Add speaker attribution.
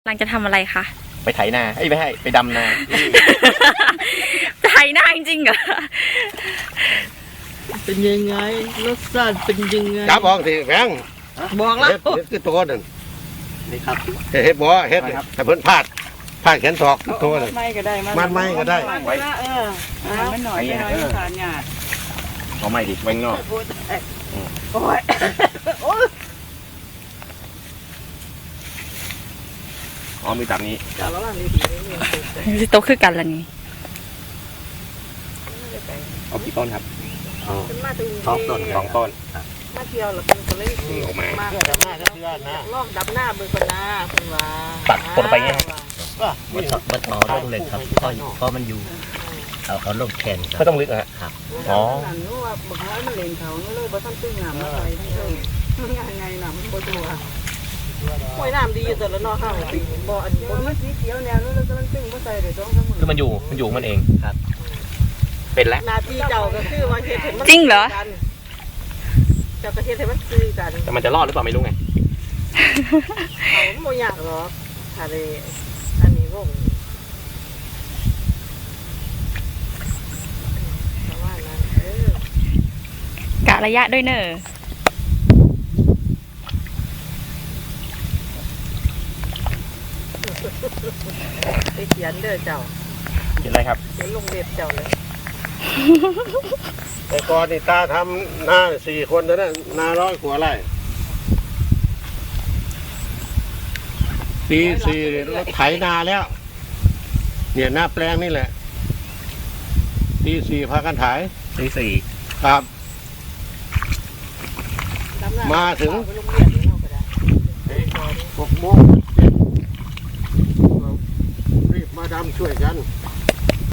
Speaker 1: กำลังจะทำอะไรคะ
Speaker 2: ไปไถนาไม่ให้ไปดำนา
Speaker 1: ไถนาจริงๆเหรอ
Speaker 3: เป็นยังไงรสชาติเป็นยังไง
Speaker 4: จับออกสิแพง
Speaker 3: บอกแล้ว
Speaker 4: เฮ็ดคือตัวนั่น
Speaker 2: นี่ครับ
Speaker 4: เฮ็ดบ่เฮ็ดแต่เพิ่นพลาดแขนศอกคือตัวนั่น
Speaker 3: ไม่ก็ได้
Speaker 4: มัดไม้ก็ได้
Speaker 3: ไว้มันหน่อยไม่น้อยสารหยาด
Speaker 2: เอาไม่ดิไว้ข้างนอก
Speaker 3: โอ้ย
Speaker 2: อ๋อมีตับนี้
Speaker 3: จับแล้วดีๆนี่
Speaker 1: โตคือกันละนี่
Speaker 2: เอากี่ต้นครับ
Speaker 3: เป็นมาถึง
Speaker 2: สองต้น
Speaker 3: มาเที่ยวแล้วเป็นคนเล่น
Speaker 2: ออกมา
Speaker 3: มาดับหน้าก็เชื่อนะลอกดับหน้าเบิ่งคนหน้าคุณว่า
Speaker 2: ตัดกดไปไง
Speaker 5: มันต่อลงเลยครับเพราะมันอยู่เอาลงแขนครั
Speaker 2: ไม่
Speaker 5: บ
Speaker 2: ต้องลึกอะฮะ อ๋อ
Speaker 3: รู้ว่าบอกว่ามันเล่นเขาเลยบ่ทันตึ้งน้ำมาใส่ทั้งเลยยังไงน้ำมันบ่ตัวห้วยน้ำดีอยู่แต่ละนอกข้างปีบ่อันบ่มีสีเขียวแนวนู้นแล้วก็มันตึ้งบ่ใส่ได้2-3มื้อ
Speaker 2: คือมันอยู่มันเองครับ เป็นแล้ว
Speaker 3: หน้าที่เจ้าก็คือว่าเฮ็ดให้มัน
Speaker 1: จริงเหรอ
Speaker 3: เจ้าก็เฮ็ดให้มันซื้อกัน
Speaker 2: แต่มันจะรอดหรือเปล่าไม่รู้ไง
Speaker 3: เขาโมอยากหรอกทะเลอันนี้วงประมาณนั้น
Speaker 1: กะระยะด้วยเนอะ
Speaker 3: ไปเขียนเด้อเจ้า
Speaker 2: เห็นอะไรครับ
Speaker 3: เขียนลงเล็บเจ้าเลย
Speaker 4: แต่ก่อนนี่ตาทำนา4 คนเท่านั้นนา100 กว่าไร่ปี4รถไถนาแล้ว เนี่ยหน้าแปลงนี่แหละปี4พากันไถ
Speaker 2: สี่
Speaker 4: ครับ
Speaker 3: ดำน้
Speaker 4: มาถึง
Speaker 3: ไปโรงเรียนนี่เราก็ได้
Speaker 4: 6 โมงรีบมาดำช่วยกัน